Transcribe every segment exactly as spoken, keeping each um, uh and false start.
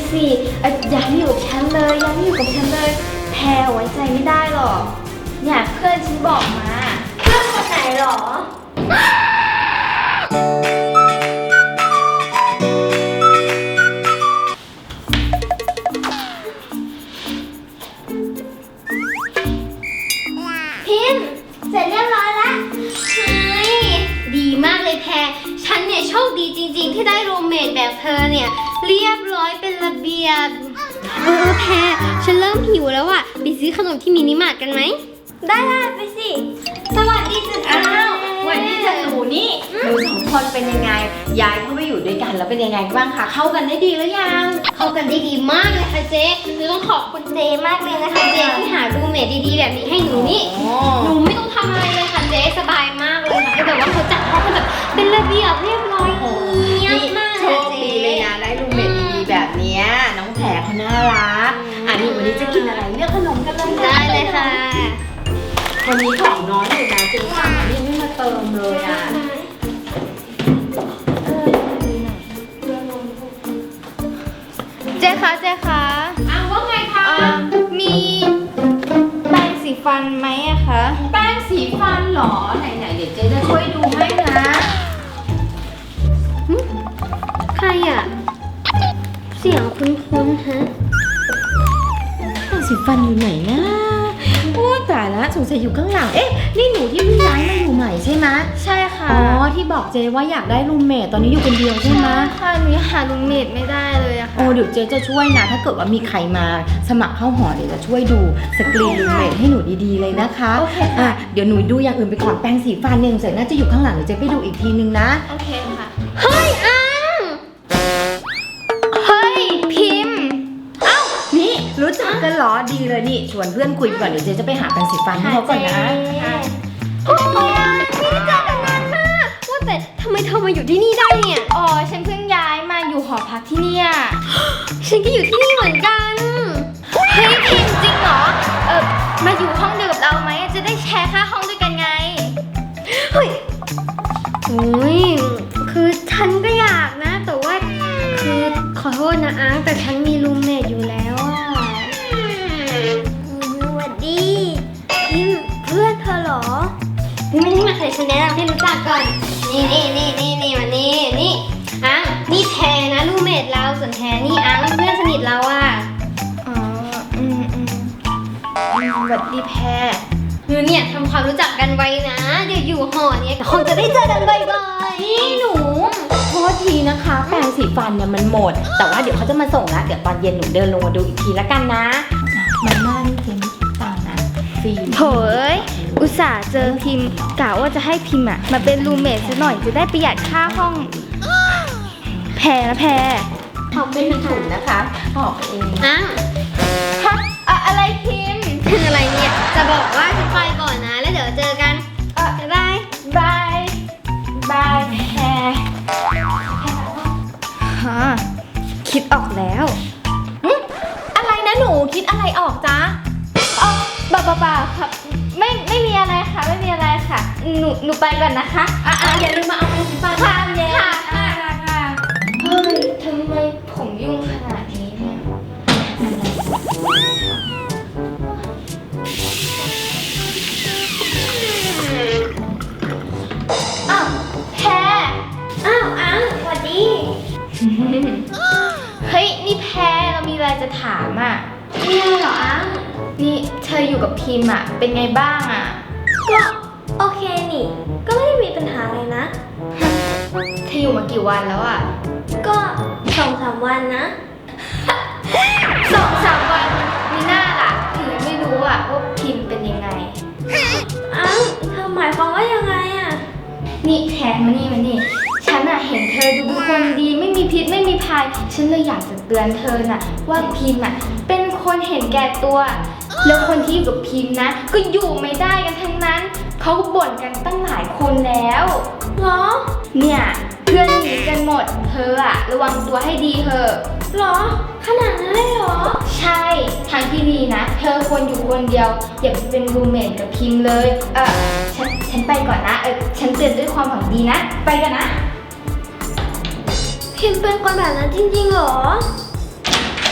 สิอย่าให้อยู่กับฉันเลยอย่าให้อยู่กับฉันเลยแพรไว้ใจไม่ได้หรอกเนี่ยเพื่อนฉันบอกมาเพื่อนคนไหนหรอพิมพ์เสร็จเรียบร้อยแล้วเฮ้ยดีมากเลยแพรฉันเนี่ยโชคดีจริงๆที่ได้รูมเมทแบบเธอเนี่ยเรียบร้อยเป็นระเบียบเออแพรฉันเริ่มหิวแล้วอะไปซื้อขนมที่มินิมาร์ทกันไหมได้ไปสิสวัสดีจ้ะอ้าววันนี้จะหนูนี่หนูสองคนเป็นยังไงย้ายเข้ามาอยู่ด้วยกันแล้วเป็นยังไงบ้างคะเข้ากันได้ดีหรือยังเข้ากันได้ดีมากเลยค่ะเจ๊หนูต้องขอบคุณเจ๊มากเลยนะคะเจ๊ที่หารูมเมทดีๆแบบนี้ให้หนูนี่หนูไม่ต้องทำอะไรเลยค่ะเจ๊สบายมากเลยค่ะคือแบบว่าเขาจัดห้องแบบเป็นระเบียบเรียบร้อยเงียบมากโชคดีเลยนะได้รูมเมทดีๆแบบนี้น้องแพรเขาน่ารักอันนี้วันนี้จะกินอะไรเลือกขนมกันเลยได้เลยค่ะวันนี้ของน้อยเลยนะจึงสั่งอันนี้ไม่มาเติมเลยอ่ะเจ๊คะเจ๊คะอ้าวว่าไงคะมีแป้งสีฟันไหมอะคะแป้งสีฟันหรอไหนๆเดี๋ยวเจ๊จะช่วยดูให้นะใครอะเสียงคุ้นๆฮะแป้งสีฟันอยู่ไหนนะโอ้ตายแล้วสงสัยอยู่ข้างหลังเอ๊ะนี่หนูที่เพิ่งย้ายมาอยู่ใหม่ใช่ไหมใช่ค่ะอ๋อที่บอกเจว่าอยากได้รูมเมทตอนนี้อยู่คนเดียวใช่ไหมค่ะหนูหารูมเมทไม่ได้เลยอะค่ะโอ้เดี๋ยวเจจะช่วยนะถ้าเกิดว่ามีใครมาสมัครเข้าหอเดี๋ยวจะช่วยดูสกรีนรูมเมทให้หนูดีๆเลยนะคะโอเคค่ะเดี๋ยวหนูดูอย่างอื่นไปก่อนแปรงสีฟันเนี่ยสงสัยน่าจะอยู่ข้างหลังเดี๋ยวเจไปดูอีกทีนึงนะโอเคค่ะเฮ้ยอังเฮ้ยพิมพ์นี่รู้จักกันเหรอดีเลยนี่ชวนเพื่อนคุยก่อนเดี๋ยวเจ๊จะไปหาแปรงสีฟันให้เขาก่อนนะโอ้ยไม่ได้เจอกันนานมากว่าแต่ทำไมเธอมาอยู่ที่นี่ได้เนี่ยอ๋อฉันเพิ่งย้ายมาอยู่หอพักที่นี่ฉันก็อยู่ที่นี่เหมือนกันเฮ้ยพิมจริงเหรอเออมาอยู่ห้องเดียวกับเราไหมจะได้แชร์ค่าห้องด้วยกันไงเฮ้ยโอ้ยคือฉันก็อยากนะแต่ว่าคือขอโทษนะอังแต่ฉันมีรูมเมทอยู่แล้วอ่ะสวัสดีพิมเพื่อนเธอเหรอนี่ไม่ได้มาเคยฉันแนะนำให้รู้จักก่อนนี่นี่นี่นี่นี่มานี่นี่อังนี่แพรนะรูมเมทเราส่วนแพรนี่อังเพื่อนสนิทเราอ่ะอ๋ออืมอืมสวัสดีแพรคือเนี่ยทำความรู้จักกันไว้นะเดี๋ยวอยู่หอเนี่ยคงจะได้เจอกันบ่อยๆนี่หนูโทษทีนะคะแปรงสีฟันเนี่ยมันหมดแต่ว่าเดี๋ยวเขาจะมาส่งนะเดี๋ยวตอนเย็นหนูเดินลงมาดูอีกทีละกันนะมาม่านี่เจไม่คิดตังค์นะฟรีโถเอ้ยอุตส่าห์เจอพิมกะว่าจะให้พิมอะมาเป็นรูมเมทซะหน่อยจะได้ประหยัดค่าห้องแพรนะแพรทำไม่ถูกนะคะบอกเองอ้าวฮะอะไรพิมเป็นอะไรเนี่ยจะบอกว่าจะไปก่อนนะแล้วเดี๋ยวเจอกันเออบายบายบายแพรฮะคิดออกแล้วอะไรนะหนูคิดอะไรออกจ๊ะอ๋อบ้าบ้าบ้าครับไม่ไม่มีอะไรค่ะไม่มีอะไรค่ะหนูหนูไปก่อนนะคะอ่ะอ่ะอย่าลืมมาเอาไปสิบบาทค่ะค่ะค่ะค่ะเฮ้ยทำไมผมยุ่งขนาดนี้เนี่ยอ้าวแพรอ้าวอังสวัสดีเฮ้ยนี่แพรเรามีอะไรจะถามอ่ะมีอะไรเหรออังนี่เธออยู่กับพิมอ่ะเป็นไงบ้างอ่ะก็โอเคนี่ก็ไม่ได้มีปัญหาอะไรนะเธออยู่มากี่วันแล้วอ่ะก็สองสามวันนะสองสามวันมีหน้าล่ะถึงไม่รู้อ่ะว่าพิมเป็นยังไงอ้าวเธอหมายความว่ายังไงอ่ะนี่แทนมานี่มานี่ฉันอะเห็นเธอดูเป็นคนดีไม่มีพิษไม่มีภัยฉันเลยอยากจะเตือนเธอน่ะว่าพิมอะเป็นคนเห็นแก่ตัวแล้วคนที่อยู่กับพิมนะก็อยู่ไม่ได้กันทั้งนั้นเขาบ่นกันตั้งหลายคนแล้วเหรอเนี่ยเพื่อนหนีกันหมดเธออะระวังตัวให้ดีเถอะหรอขนาดนั้นเลยเหรอใช่ทางที่ดีนะเธอควรอยู่คนเดียวอย่าไปเป็นรูมเมทกับพิมเลยเออฉันฉันไปก่อนนะเออฉันเตือนด้วยความหวังดีนะไปกันนะพิมเป็นคนแบบนั้นจริงๆเหรอ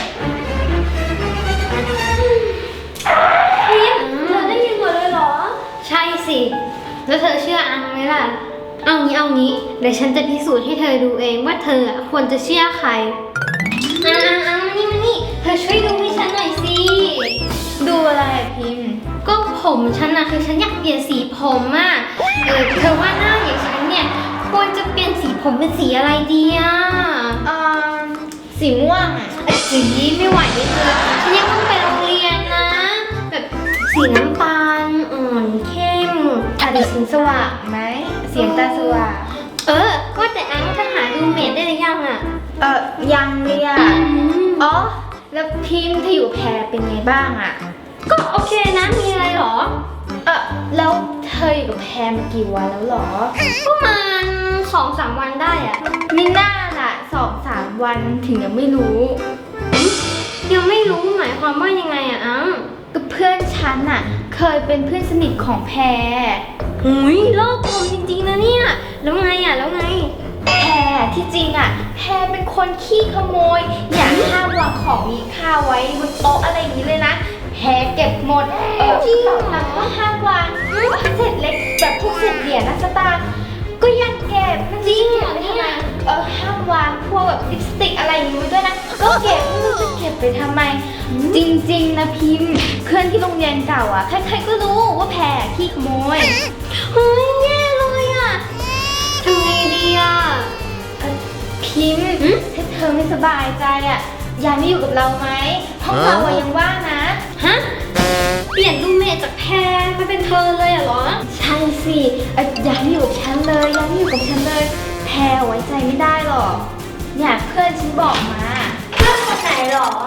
ดี๋ยวฉันจะพิสูจน์ให้เธอดูเองว่าเธอควรจะเชื่อใครอ่าอ่ามานี่มานี่เธอช่วยดูให้ฉันหน่อยสิดูอะไรพิมพ์ก็ผมฉันนะคือฉันอยากเปลี่ยนสีผมอ่ะเออเธอว่าหน้าอย่างฉันเนี่ยควรจะเปลี่ยนสีผมเป็นสีอะไรดีอ่ะอ่าสีม่วงอ่ะสีไม่ไหวเลยเธอฉันยังต้องไปโรงเรียนนะแบบสีน้ำตาลอ่อนเข้มอาจจะสีสว่างไหมเสียงตาสว่างเออว่าแต่อังจะหารูเมทได้หรือยังอ่ะเออยังเลยอ่ะอ๋อแล้วพิมพ์ที่อยู่แพรเป็นไงบ้างอ่ะก็โอเคนะมีอะไรหรอเออแล้วเธออยู่กับแพรมากี่วันแล้วหรอประมาณสองสามวันได้อ่ะมิน่าล่ะสองสามวันถึงยังไม่รู้ยังไม่รู้หมายความว่ายังไงอ่ะอังก็เพื่อนฉันอ่ะเคยเป็นเพื่อนสนิทของแพรหุยโลกกลมจริงๆนะเนี่ยแล้วไงอ่ะแล้วไงแพรที่จริงอ่ะแพรเป็นคนขี้ขโมยอย่าห้ามวางของมีค่าไว้บนโต๊ะอะไรอย่างนี้เลยนะแพรเก็บหมดเออจริงหลังก็ห้ามวางเศษเล็กแบบพวกเศษเหรียญนะสตางค์ก็ยังเก็บจริงเหรอเนี่ยเออห้ามวางพวกแบบลิปสติกอะไรอย่างนี้ด้วยนะก็เก็บไม่รู้จะเก็บไปทำไมจริงๆนะพิมพ์เพื่อนที่โรงเรียนเก่าอ่ะใครๆก็รู้ว่าแพรขี้ขโมยเฮ้ยแย่เลยอ่ะทำไงดีอ่ะพิมพ์ถ้าเธอไม่สบายใจอ่ะยายไม่อยู่กับเราไหมห้องเรายังว่างนะฮะเปลี่ยนรูเมทจากแพรมาเป็นเธอเลยเหรอใช่สิยายไม่อยู่กับฉันเลยยายไม่อยู่กับฉันเลยแพรไว้ใจไม่ได้หรอกเนี่ยเพื่อนฉันบอกมาเพื่อนคนไหนหรอ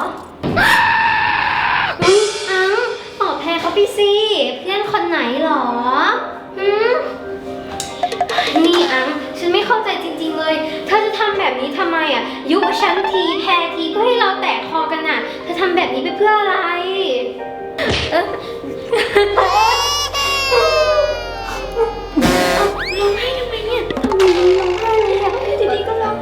อุ้ยอังตอบแพรเขาไปสิเพื่อนคนไหนหรอหืมนี่อังฉันไม่เข้าใจจริงๆเลยเธอจะทำแบบนี้ทำไมอ่ะยุฉันทีแพรทีเพื่อให้เราแตกคอกันอ่ะเธอทำแบบนี้ไปเพื่ออะไรเออร้องไห้ทำไมเนี่ยทำไมร้องไห้เลยอ่ะดีๆก็ร้องเอ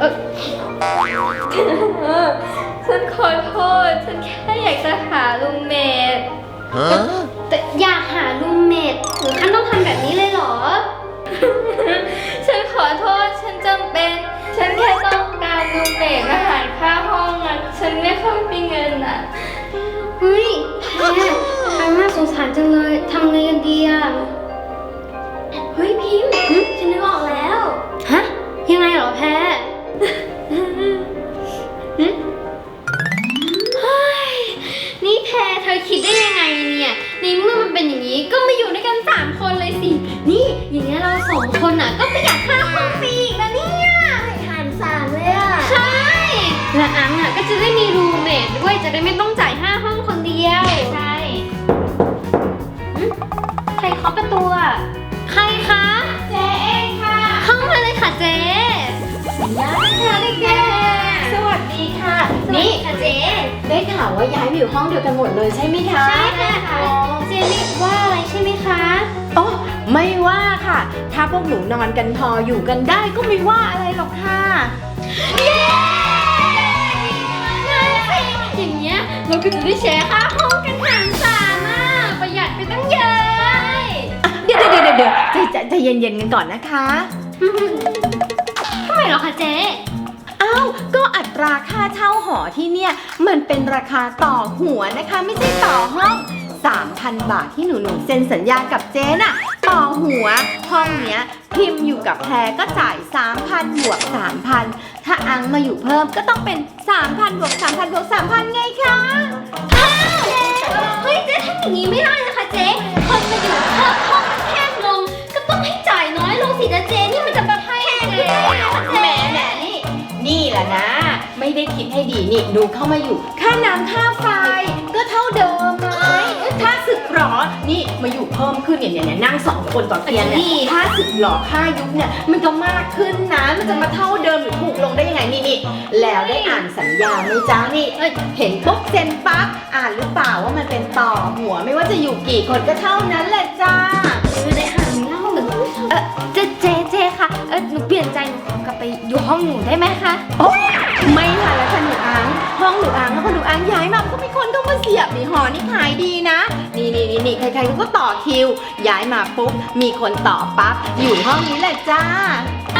อฉันขอโทษฉันแค่อยากจะหารูเมทแต่อยากหารูเมทหรือท่านต้องทำแบบนี้เลยเหรอฉันขอโทษฉันจำเป็นฉันแค่ต้องการรูเมทอาหารค่าห้องอ่ะฉันไม่ค่อยมีเงินอ่ะเฮ้ยแพรอันน่าสงสารจังเลยทำไงกันดีอ่ะเฮ้ยพิมพ์ฉันนึกออกแล้วฮะยังไงเหรอแพรนี่แพรเธอคิดได้ยังไงเนี่ยในเมื่อมันเป็นอย่างนี้ก็มาอยู่ด้วยกันสามคนเลยสินี่อย่างนี้เราสองคนอ่ะก็ประหยัดค่าห้องฟรีอีกนะเนี่ยหารสามเลยอ่ะใช่และอังอ่ะก็จะได้มีรูเมทด้วยจะได้ไม่ต้องจ่ายห้าห้องคนเดียวใช่ใครเคาะประตูอ่ะใครคะเจ๊เองค่ะเข้ามาเลยค่ะเจ๊ย้ายค่ะเด็กๆสวัสดีค่ะนี่ค่ะเจ๊ได้ข่าวว่าย้ายมาอยู่ห้องเดียวกันหมดเลยใช่ไหมคะใช่ค่ะเจ๊ไม่ว่าอะไรใช่ไหมคะอ๋อไม่ว่าค่ะถ้าพวกหนูนอนกันพออยู่กันได้ก็ไม่ว่าอะไรหรอกค่ะเย้อย่างเงี้ยเราก็จะได้แชร์ค่าห้องกันหารสามอ่ะประหยัดไปตั้งเยอะเดี๋ยวเดี๋ยวเดี๋ยวเดี๋ยวใจใจเย็นๆกันก่อนนะคะทำไมเหรอคะเจ๊อ้าวก็อัตราค่าเช่าหอที่เนี่ยมันเป็นราคาต่อหัวนะคะไม่ใช่ต่อห้อง สามพัน บาทที่หนูหนูเซ็นสัญญากับเจ๊น่ะต่อหัวห้องเนี้ยพิมพ์อยู่กับแพรก็จ่าย สามพัน บวก สามพัน ถ้าอังมาอยู่เพิ่มก็ต้องเป็น สามพัน บวก สามพัน บวก สามพัน ไงคะอ้าวเฮ้ยเจ๊ทำอย่างนี้ไม่ได้นะคะเจ๊คนมาอยู่เพิ่มห้องแคบลงก็ต้องให้จ่ายน้อยลงสิจ๊ะเจ๊นี่มันจะมาให้เลยแหมแหมนี่นี่แหละนะไม่ได้คิดให้ดีนี่ดูเข้ามาอยู่ค่าน้ำค่าไฟก็เท่าเดิมเลยค่าสึกหรอนี่มาอยู่เพิ่มขึ้นเนี่ยเนี่ยนั่งสองคนต่อเตียงเนี่ยค่าสึกหรอค่ายุบเนี่ยมันก็มากขึ้นนะมันจะมาเท่าเดิมหรือถูกลงได้ยังไงนี่นี่แล้วได้อ่านสัญญาไหมจ๊ะนี่เห็นปุ๊บเซ็นปั๊บอ่านหรือเปล่าว่ามันเป็นต่อหัวไม่ว่าจะอยู่กี่คนก็เท่านั้นแหละจ้าไม่ได้อ่านเล่าเออเจ๊เจ๊เจ๊ค่ะเออหนูเปลี่ยนใจหนูกลับไปอยู่ห้องหนูได้ไหมคะโอ้ไม่ค่ะแล้วค่ะหนูอังห้องหนูอังแล้วพอหนูอังย้ายมาก็มีคนเข้ามาเสียบนี่หอนี่ขายดีนะนี่นี่นี่นี่ใครๆก็ต่อคิวย้ายมาปุ๊บมีคนต่อปั๊บอยู่ห้องนี้แหละจ้า